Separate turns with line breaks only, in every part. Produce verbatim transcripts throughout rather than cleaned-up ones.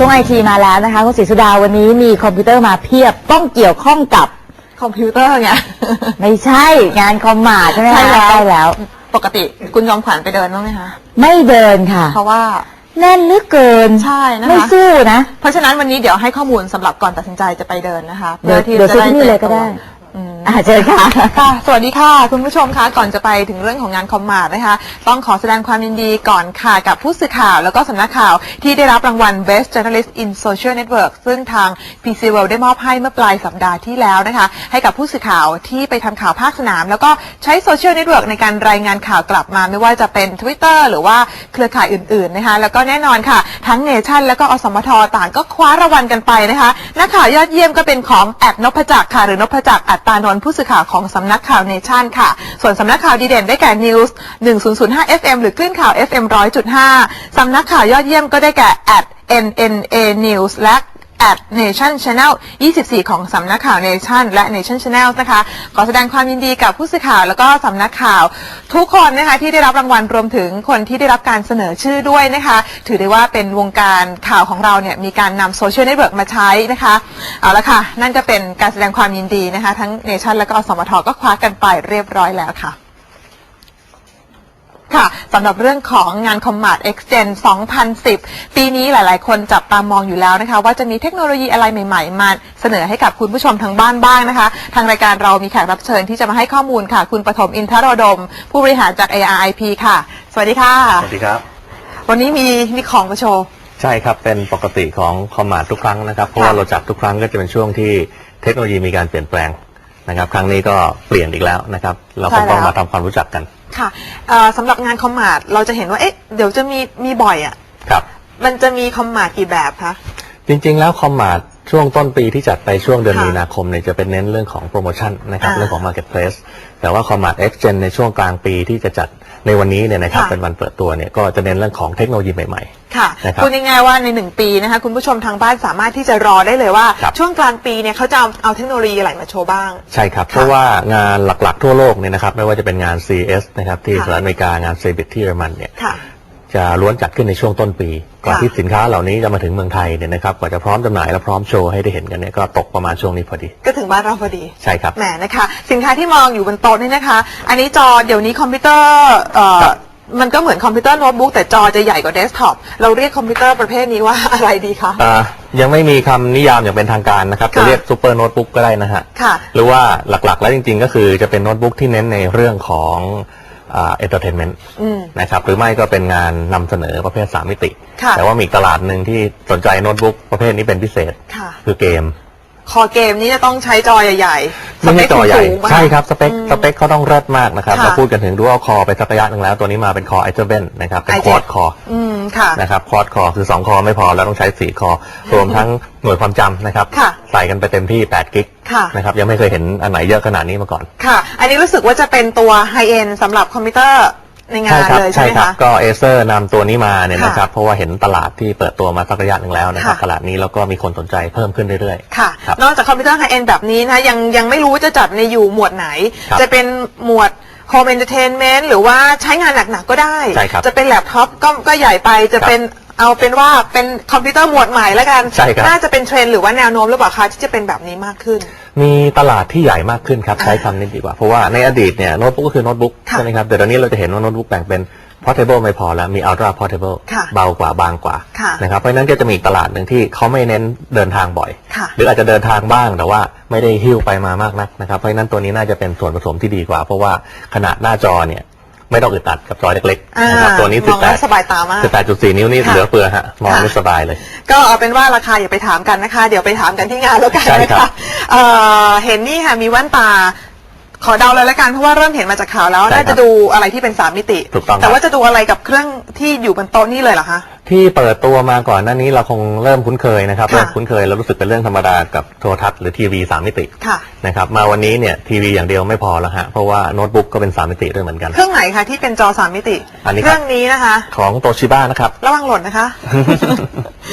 ช่วงไอทีมาแล้วนะคะคุณศรีสุดาวันนี้มีคอมพิวเตอร์มาเพียบต้องเกี่ยวข้องกับ
คอมพิวเตอร์ไง
ไม่ใช่งานคอมมาใช่ไหมคะใช่แล้ว
ปกติคุณจอมขวัญไปเดินบ้างไหมคะ
ไม่เดินค่ะ
เพราะว่า
แน่นเหลือเกิน
ใช่นะคะ
ไม่สู้นะ
เพราะฉะนั้นวันนี้เดี๋ยวให้ข้อมูลสำหรับก่อนตัดสินใจจะไปเดินนะคะ
เดี๋ยวเดี๋ยวซื้อที่นี่เลยก็ได้อาเชิญค่ะ
ค่ะสวัสดีค่ะคุณผู้ชมคะก่อนจะไปถึงเรื่องของงานคอมมาร์ทนะคะต้องขอแสดงความยินดีก่อนค่ะกับผู้สื่อข่าวแล้วก็สำนักข่าวที่ได้รับรางวัล Best Journalist in Social Network ซึ่งทาง พี ซี World ได้มอบให้เมื่อปลายสัปดาห์ที่แล้วนะคะให้กับผู้สื่อข่าวที่ไปทำข่าวภาคสนามแล้วก็ใช้โซเชียลเน็ตเวิร์กในการรายงานข่าวกลับมาไม่ว่าจะเป็น Twitter หรือว่าเครือข่ายอื่นๆนะคะแล้วก็แน่นอนค่ะทั้งเนชั่นแล้วก็อสมทต่างก็คว้ารางวัลกันไปนะคะนักข่าวยอดเยี่ยมก็เป็นของแอดนพจักรค่ะหรือนพจักรอัตตานนท์ผู้สื่อข่าวของสำนักข่าวเนชั่นค่ะส่วนสำนักข่าวดีเด่นได้แก่ News หนึ่ง ศูนย์ ศูนย์ ห้า เอฟ เอ็ม หรือคลื่นข่าว เอฟ เอ็ม หนึ่งร้อยจุดห้า สำนักข่าวยอดเยี่ยมก็ได้แก่ แอท เอ็น เอ็น เอ News และ แอท Nation Channel ยี่สิบสี่ ของสำนักข่าว Nation และ Nation Channel นะคะขอแสดงความยินดีกับผู้สื่อข่าวแล้วก็สำนักข่าวทุกคนนะคะที่ได้รับรางวัลรวมถึงคนที่ได้รับการเสนอชื่อด้วยนะคะถือได้ว่าเป็นวงการข่าวของเราเนี่ยมีการนำโซเชียลเน็ตเวิร์กมาใช้นะคะเอาละค่ะนั่นก็เป็นการแสดงความยินดีนะคะทั้ง Nation และก็อสมทก็คว้ากันไปเรียบร้อยแล้วค่ะค่ะสำหรับเรื่องของงาน Commart X Gen สองพันสิบปีนี้หลายๆคนจับตามองอยู่แล้วนะคะว่าจะมีเทคโนโลยีอะไรใหม่ๆมาเสนอให้กับคุณผู้ชมทางบ้านบ้างนะคะทางรายการเรามีแขกรับเชิญที่จะมาให้ข้อมูลค่ะคุณปฐมอินทรดมผู้บริหารจาก เอ อาร์ ไอ พี ค่ะสวัสดีค่ะ
สวัสดีครับ
วันนี้มีมีของมาโชว์
ใช่ครับเป็นปกติของ Commart ทุกครั้งนะครับเพราะว่าเราจัดทุกครั้งก็จะเป็นช่วงที่เทคโนโลยีมีการเปลี่ยนแปลงนะครับครั้งนี้ก็เปลี่ยนอีกแล้วนะครับเราก็ต้องมาทำความรู้จักกัน
ค่ะสำหรับงานคอมมาร์ทเราจะเห็นว่าเอ๊ะเดี๋ยวจะมีมีบ่อยอ่ะ
ครับ
มันจะมีคอมมาร์ทกี่แบบคะ
จริงๆแล้วคอมมาร์ทช่วงต้นปีที่จัดไปช่วงเดือนมีนาคมเนี่ยจะเป็นเน้นเรื่องของโปรโมชั่นนะครับเรื่องของ Marketplace แต่ว่า Commart X Gen ในช่วงกลางปีที่จะจัดในวันนี้เนี่ยนะครับเป็นวันเปิดตัวเนี่ยก็จะเน้นเรื่องของเทคโนโลยีใหม่
ๆค่ะพูดง่ายๆว่าในหนึ่งปีนะคะคุณผู้ชมทางบ้านสามารถที่จะรอได้เลยว่าช่วงกลางปีเนี่ยเขาจะเอาเทคโนโลยีอะไรมาโชว์บ้าง
ใช่ครับเพราะว่างานหลักๆทั่วโลกเนี่ยนะครับไม่ว่าจะเป็นงาน ซี เอส นะครับที่สหรัฐอเมริกางาน ซี บิ ที ที่เยอรมันเนี่ยจะล้วนจัดขึ้นในช่วงต้นปีก่อนที่สินค้าเหล่านี้จะมาถึงเมืองไทยเนี่ยนะครับกว่าจะพร้อมจำหน่ายและพร้อมโชว์ให้ได้เห็นกันเนี่ยก็ตกประมาณช่วงนี้พอดี
ก็ถึงบ้านเราพอดี
ใช่ครับ
แหมนะคะสินค้าที่มองอยู่บนโต๊ะนี่นะคะอันนี้จอเดี๋ยวนี้คอมพิวเตอร์เอ่อมันก็เหมือนคอมพิวเตอร์โน้ตบุ๊กแต่จอจะใหญ่กว่าเดสก์ท็อปเราเรียกคอมพิวเตอร์ประเภทนี้ว่าอะไรดีคะ
อ่ายังไม่มีคำนิยามอย่างเป็นทางการนะครับจะเรียกซูเปอร์โน้ตบุ๊กก็ได้นะฮะ
ค่ะ
หรือว่าหลักๆแล้วจริงๆก็คือจะเป็นโน้ตบุ๊กที่เน้นในเรื่องของอ่าเอนเตอร์เทนเมนต์นะครับหรือไม่ก็เป็นงานนำเสนอประเภทสามมิติแต่ว่ามีตลาดหนึ่งที่สนใจโน้ตบุ๊กประเภทนี้เป็นพิเศษคือเกม
คอเกมนี้จะต้องใช้จอใหญ่ๆ
ไม่ใช่จอใหญ่ใช่ครับสเปคสเปคเขาต้องเลิศมากนะครับเราพูดกันถึงดูว่าคอไปสักระยะหนึ่งแล้วตัวนี้มาเป็นคอไอเซอร์เบนนะครับเป็นควอดคอนะครับควอดคอคือสองคอไม่พอแล้วต้องใช้สี่คอรวมทั้งหน่วยความจำนะครับใส่กันไปเต็มที่แปดกิกนะครับยังไม่เคยเห็นอันไหนเยอะขนาดนี้มาก่อน
ค่ะอันนี้รู้สึกว่าจะเป็นตัวไฮเอ็นสำหรับคอมพิวเตอร์ในงานเลยใช่ไหมคะ
ก็เอเซอร์นำตัวนี้มาเนี่ยนะครับเพราะว่าเห็นตลาดที่เปิดตัวมาสักระยะหนึ่งแล้วนะครับตลาดนี้แล้วก็มีคนสนใจเพิ่มขึ้นเรื่อย
ๆค่ะนอกจากคอมพิวเตอร์ไฮเอ็นแบบนี้นะยังยังไม่รู้จะจัดในอยู่หมวดไหนจะเป็นหมวด Home Entertainment หรือว่าใช้งานหนักๆก็ได้จะเป็นแล็ปท็อปก็ก็ใหญ่ไปจะเป็นเอาเป็นว่าเป็นคอมพิวเตอร์หมวดใหม่แล้วกันน่าจะเป็นเทรนด์หรือว่าแนวโน้มหรือเปล่าคะที่จะเป็นแบบนี้มากขึ้น
มีตลาดที่ใหญ่มากขึ้นครับใช้คำนี้ดีกว่าเพราะว่าในอดีตเนี่ยโน้ตบุ๊กก็คือโน้ตบุ๊กใช่ไหมครับแต่ตอนนี้เราจะเห็นว่าโน้ตบุ๊กแบ่งเป็น portable ไม่พอแล้วมี ultra portable เบากว่าบางกว่านะครับเพราะนั้นก็จะมีตลาดหนึ่งที่เขาไม่เน้นเดินทางบ่อยหรืออาจจะเดินทางบ้างแต่ว่าไม่ได้หิ้วไปมามากนักนะครับเพราะนั้นตัวนี้น่าจะเป็นส่วนผสมที่ดีกว่าเพราะว่าขนาดหน้าจอเนี่ยไม่ต้องอึดอัดกับจอเล็กๆนะครับตัวนี้สิบแปด
สบายตามาก
สิบแปดจุดสี่ นิ้วนี่เหลือเฟือฮะมองไม่สบายเลย
ก็เอาเป็นว่าราคาอย่าไปถามกันนะคะเดี๋ยวไปถามกันที่งานแล้วกันนะคะเห็นนี่ค่ะมีแว่นตาขอเดาเลยละกันเพราะว่าเริ่มเห็นมาจากข่าวแล้วน่าจะดูอะไรที่เป็นสามมิติแต่ว่าจะดูอะไรกับเครื่องที่อยู่บนโต๊ะนี่เลยเหรอคะ
ที่เปิดตัวมาก่อนหน้านี้เราคงเริ่มคุ้นเคยนะครับเริ่มคุ้นเคยแล้วรู้สึกเป็นเรื่องธรรมดากับโทรทัศน์หรือทีวีสามมิตินะครับมาวันนี้เนี่ยทีวีอย่างเดียวไม่พอแล้วฮะเพราะว่าโน้ตบุ๊กก็เป็นสามมิติด้วยเหมือนกัน
เครื่องไหนคะที่เป็นจอสามมิติเครื่องนี้นะคะ
ของโตชิบ้านะครับ
ระวังหล่นนะคะ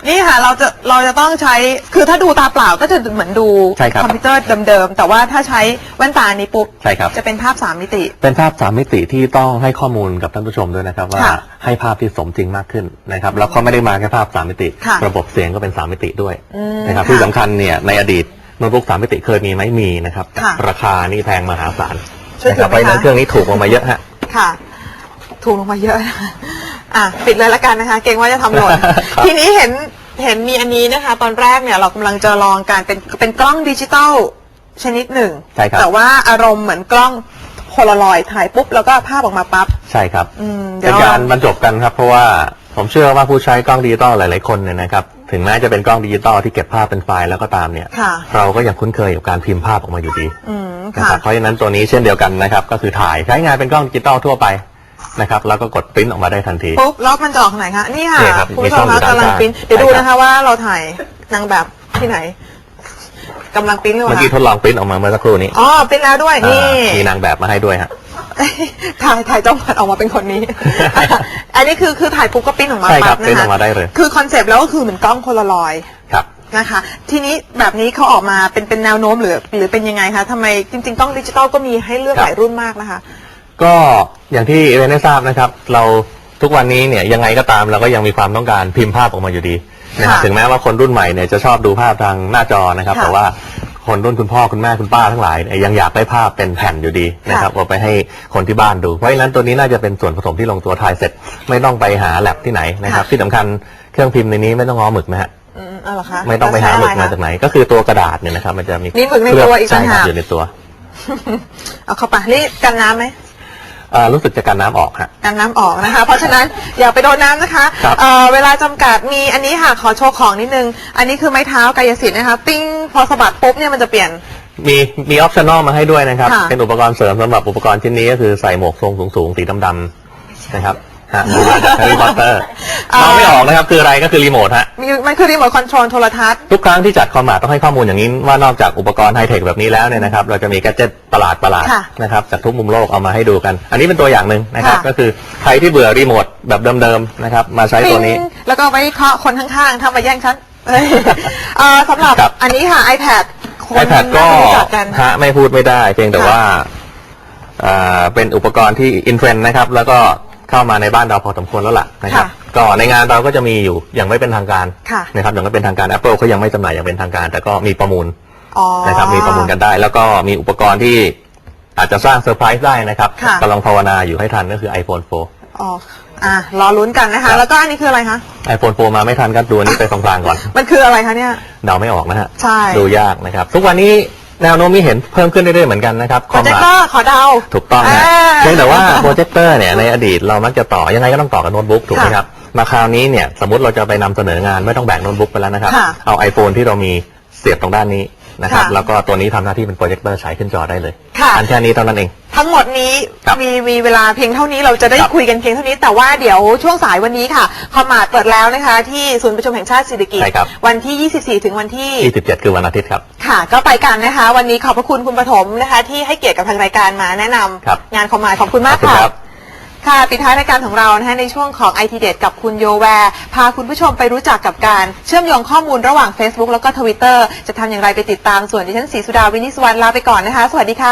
นี่ค่ะเราจะเราจะต้องใช้คือถ้าดูตาเปล่าก็จะเหมือนดู
ใช่ครับ
คอมพิวเตอร์เดิมๆแต่ว่าถ้าใช้แว่นตานี้ปุ๊บ
ใช่ครับ
จะเป็นภาพสามมิติ
เป็นภาพสามมิติที่ต้องให้ข้อมูลกับท่านผู้ชมด้วยนะครับว่า
ค่ะ
ให้ภาพที่สมจริงมากขึ้นนะครับแล้วก็ไม่ได้มาแค่ภาพสามมิติ
ค่ะ
ระบบเสียงก็เป็นสามมิติด้วย
อืม
นะครับ
ค่ะ
ที่สำคัญเนี่ยในอดีตโน้ตบุ๊กสามมิติเคยมีไหมมีนะครับ
ค่ะ
ราคานี่แพงมหาศาล
ช่วย
นะ
ถื
ค
อ
รับ
ไหม
เพราะฉะนั้น
คะ
เครื่องนี้ถูกลงมาเยอะฮะ
ค่ะ ถูกลงมาเยอะนะคะอ่ะปิดเลยละกันนะคะ เกรงว่าจะทำหล่น
ครับ
ทีนี้เห็นเห็นมีอันนี้นะคะ ตอนแรกเนี่ยเรากำลังจะลองการเป็นเป็นกล้องดิจิตอลชนิดหนึ่ง
ใช่ครับ
แต่ว่าอารมณ์เหมือนกล้องโพลารอยด์ถ่ายปุ๊บแล้วก็ภาพออกมาปั๊บ
ใช่ครับ
อืมเดี๋
เป็
ยวน เรา
การบรรจบกันครับเพราะว่าผมเชื่อว่าผู้ใช้กล้องดิจิตอลหลาย ๆ คนเนี่ยนะครับถึงแม้จะเป็นกล้องดิจิตอลที่เก็บภาพเป็นไฟล์แล้วก็ตามเนี่ย
ค่ะ
เราก็ยังคุ้นเคยกับการพิมพ์ภาพออกมาอยู่ดี
อืม
นะ
ค่ะ
ครับเพราะฉะนั้นตัวนี้เช่นเดียวกันนะครับก็คือถ่ายใช้งานเป็นกล้องดิจิตอลทั่วไปนะครับแล้วก็กดปริ้นออกมาได้ทันที
ปุ๊บแล้วมันจะออกทางไหนคะนี่ค่ะ
นี่ครับ
คุณผู้ชม
มีช่องอยู่
คะ
ด้าน
กำลัง
ข้าง
ปริ้นเดี๋ยวดู
ใช่ครับ
นะคะว่าเราถ่ายนางแบบที่ไหนกำลังปริ้นหรือเป
เมื่อ
ล่า
กี้ทดลองปริ้นออกมาเมื่อสักครู่นี้
อ๋อปริ้นแล้วด้วยนี่
อ่ามีนางแบบมาให้ด้วยฮะ
ถ่ายถ่ายจ้องผัดออกมาเป็นคนนี้ อันนี้คือคือถ่ายปุ๊บก็ปริ้นออกมา
ใช่ครับ
ปั๊บ
ปริ้น
นะ
ออกมา
คะ
ได้เลย
คือคอนเซปต์แล้วก็คือเหมือนกล้องโพลารอยด์
ครับ
นะคะ ทีนี้แบบนี้เขาออกมาเป็นเป็นแนวโน้มหรือหรือเป็นยังไงคะทำไมจริงๆกล้องดิจิตอลก็มีให้เลือก
ครับ
หลายรุ่นมากนะคะ
ก็อย่างที่เรนได้ทราบนะครับเราทุกวันนี้เนี่ยยังไงก็ตามเราก็ยังมีความต้องการพิมพ์ภาพออกมาอยู่ดีนะครับ
ค่ะ
ถึงแม้ว่าคนรุ่นใหม่เนี่ยจะชอบดูภาพทางหน้าจอนะครับ
ค่ะ
แต่ว่าคนรุ่นคุณพ่อคุณแม่คุณป้าทั้งหลายเนี่ยยังอยากได้ภาพเป็นแผ่นอยู่ดีนะครับเอาไปให้คนที่บ้านดูเพราะฉะนั้นตัวนี้น่าจะเป็นส่วนผสมที่ลงตัวถ่ายเสร็จ ไม่ต้องไปหาแลบที่ไหนนะครับ
ค่ะ
ที่สำคัญเครื่องพิมพ์ในนี้ไม่ต้องง้อหมึกนะฮะ
อืมเอาเหรอคะ
ไม่ต้องไปหาหมึก
แล้วใช้
มา
อะไร
จาก
คะ
ไหน ก็คือตัวกระดาษเนี่ยนะครับมันจะมี
มีหมึกในตัวอีก
ใช่
ต่าง
ครับ
หาก
อยู่ในตัว
เอาเข้าไปนี่กันน้ำไหม
อ่ารู้สึกจะกันน้ำออกฮะ
กันน้ำออกนะคะ เพราะฉะนั้นอย่าไปโดนน้ำนะคะ
ครับ
เอ่อเวลาจำกัดมีอันนี้ค่ะขอโชว์ของนิดนึง อันนี้คือไม้เท้ากายสิทธิ์นะคะ ปิ้งพอสะบัดปุ๊บเนี่ยมันจะเปลี่ยน
มีมีออปชั่นอลมาให้ด้วยนะครับ
ค่ะ
เป็นอุปกรณ์เสริมสำหรับอุปกรณ์ชิ้นนี้ก็คือใส่หมวกทรงสูงๆสีดำๆนะครับฮะแฮร์รี่พอตเตอร์มองไม่ออกนะครับคืออะไรก็คือรีโมทฮะ
มีมันคือรีโมทคอนโทรลโทรทัศน์
ทุกครั้งที่จัดคอมมาต้องให้ข้อมูลอย่างนี้ว่านอกจากอุปกรณ์ไฮเทคแบบนี้แล้วเนี่ยนะครับเราจะมีแกดเจ็ตประหลาดประหลาด
ค่ะ
นะครับจากทุกมุมโลกเอามาให้ดูกัน อันนี้เป็นตัวอย่างหนึ่งนะครับ
ค่ะ
ก็คือใครที่เบื่อรีโมทแบบเดิมๆนะครับมาใช้ตัวนี้
ปิ้งแล้วก็ไปเคาะคนข้างๆทำมาแย่งฉันเอ้ยเอ่อสำหรับ
ครับ
อันนี้ค่ะ iPad คน
ไอแพดก็
น่าจะรู้จักกัน
ฮะไม่พูดไม่ได้เพียงแต่
ค่ะ
ว่าอ่าเป็นอุปกรณ์ที่อินเทรนด์นะครับ แล้วก็เข้ามาในบ้านเราพอสมควรแล้วล่ะนะครับ
ค่ะ
ก็ในงานเราก็จะมีอยู่อย่างไม่เป็นทางการ
ค่ะ
นะครับอย่างไม่เป็นทางการ Apple เขายังไม่จำหน่ายอย่างเป็นทางการ แต่ก็มีประมูล
อ๋อ
นะครับมีประมูลกันได้ แล้วก็มีอุปกรณ์ที่อาจจะสร้างเซอร์ไพรส์ได้นะครับ
ค่ะ
กำลังภาวนาอยู่ให้ทันก็คือ iPhone โฟร์
อ๋ออ่ะรอลุ้นกันนะ
ครั
คะ
บ
แล้วก็อันนี้คืออะไรคะ
iPhone โฟร์มาไม่ทันก็ดูอันนี้ไปตรงกลางก่อน
มันคืออะไรคะเนี่ย
เดาไม่ออกนะฮะ
ใช่
ดูยากนะครับทุกวันนี้แนวโน้มนี้เห็นเพิ่มขึ้นเรื่อยๆเหมือนกันนะครับ
โปรเจคเตอร์ขอเดา
ถูกต้องนะ
อ่า
เพียงแต่ว่าโปรเจคเตอร์เนี่ยในอดีตเรามักจะต่อยังไงก็ต้องต่อกับโน้ตบุ๊กถูกไหม
ค่ะ
ครับมาคราวนี้เนี่ยสมมติเราจะไปนำเสนองานไม่ต้องแบกโน้ตบุ๊กไปแล้วนะครับ
ค่ะ
เอา iPhone ที่เรามีเสียบตรงด้านนี้นะครับ
ค่ะ
แล้วก็ตัวนี้ทำหน้าที่เป็นโปรเจคเตอร์ฉายขึ้นจอได้เลย
ค่ะ
อันแค่นี้เท่านั้นเอง
ทั้งหมดนี้
ครับ
มีมีเวลาเพียงเท่านี้เราจะได้
ครับ
คุยกันเพียงเท่านี้ แต่ว่าเดี๋ยวช่วงสายวันนี้ค่ะคอมมาดเปิดแล้วนะคะ ที่ศูนย์ประชุมแห่งชาติสิริกิติ์
ใช่ครับ
วันที่ ยี่สิบสี่ ถึงวันที่
ยี่สิบเจ็ดคือวันอาทิตย์ครับ
ค่ะ ก็ไปกันนะคะ วันนี้ขอบพระคุณคุณปฐมนะคะ ที่ให้เกียรติกับทางรายการมาแนะนำ
ครับ
งานคอมมาดขอบคุณมาก
ขอบคุณ
ค่ะ
ครับ
ค่ะปิดท้ายรายการของเรานะคะในช่วงของ ไอ ที เด็ดกับคุณโยแวร์พาคุณผู้ชมไปรู้จักกับการเชื่อมโยงข้อมูลระหว่าง Facebook แล้วก็ Twitter จะทำอย่างไรไปติดตามส่วนดิฉันศรีสุดาวินิจสุวรรณลาไปก่อนนะคะ สวัสดีค่ะ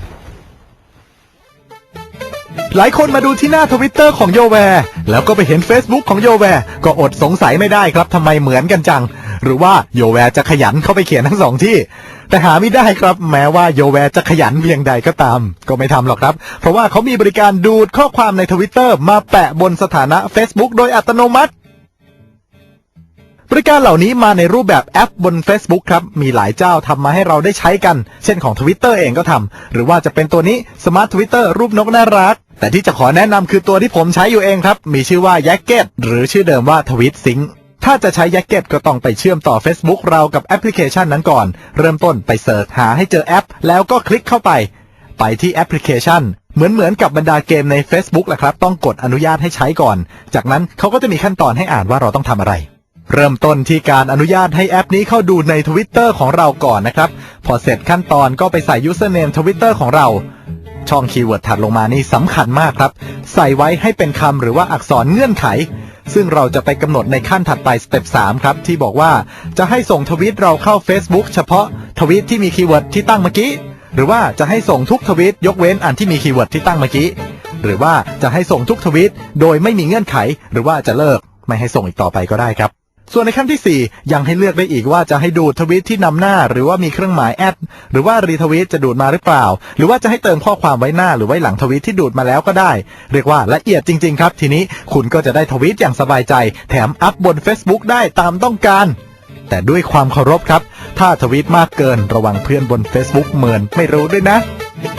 หลายคนมาดูที่หน้าทวิตเตอร์ของโยแวร์แล้วก็ไปเห็น Facebook ของโยแวร์ก็อดสงสัยไม่ได้ครับทำไมเหมือนกันจัง หรือว่าโยแวร์จะขยันเข้าไปเขียนทั้งสองที่ แต่หาไม่ได้ครับแม้ว่าโยแวร์จะขยันเพียงใดก็ตาม ก็ไม่ทำหรอกครับ เพราะว่าเขามีบริการดูดข้อความในทวิตเตอร์มาแปะบนสถานะ Facebook โดยอัตโนมัติ บริการเหล่านี้มาในรูปแบบแอปบน Facebook ครับ มีหลายเจ้าทำมาให้เราได้ใช้กัน เช่นของ Twitter เองก็ทำ หรือว่าจะเป็นตัวนี้ Smart Twitter รูปนกน่ารัก แต่ที่จะขอแนะนำคือตัวที่ผมใช้อยู่เองครับ มีชื่อว่า Yacket หรือชื่อเดิมว่า TweetSync ถ้าจะใช้ Yacket ก็ต้องไปเชื่อมต่อ Facebook เรากับแอปพลิเคชันนั้นก่อน เริ่มต้นไปเสิร์ชหาให้เจอแอป แล้วก็คลิกเข้าไป ไปที่แอปพลิเคชัน เหมือนเหมือนกับบรรดาเกมใน Facebook แหละครับ ต้องกดอนุญาตให้ใช้ก่อน จากนั้นเขาก็จะมีขั้นตอนให้อ่านว่าเราต้องทำอะไร เริ่มต้นที่การอนุญาตให้แอปนี้เข้าดูใน Twitter ของเราก่อนนะครับ พอเสร็จขั้นตอนก็ไปใส่ username Twitter ของเราช่องคีย์เวิร์ดถัดลงมานี่สำคัญมากครับใส่ไว้ให้เป็นคำหรือว่าอักษรเงื่อนไขซึ่งเราจะไปกำหนดในขั้นถัดไปสเต็ปสามครับที่บอกว่าจะให้ส่งทวีตเราเข้า Facebook เฉพาะทวีตที่มีคีย์เวิร์ดที่ตั้งเมื่อกี้หรือว่าจะให้ส่งทุกทวีตยกเว้นอันที่มีคีย์เวิร์ดที่ตั้งเมื่อกี้หรือว่าจะให้ส่งทุกทวีตโดยไม่มีเงื่อนไขหรือว่าจะเลิกไม่ให้ส่งอีกต่อไปก็ได้ครับส่วนในขั้นที่สี่ยังให้เลือกได้อีกว่าจะให้ดูดทวีตที่นำหน้าหรือว่ามีเครื่องหมายแอดหรือว่ารีทวีตจะดูดมาหรือเปล่าหรือว่าจะให้เติมข้อความไว้หน้าหรือไว้หลังทวีตที่ดูดมาแล้วก็ได้เรียกว่าละเอียดจริงๆครับทีนี้คุณก็จะได้ทวีตอย่างสบายใจแถมอัพบน Facebook ได้ตามต้องการแต่ด้วยความเคารพครับถ้าทวีตมากเกินระวังเพื่อนบน Facebook เมินไม่รู้ด้วยนะ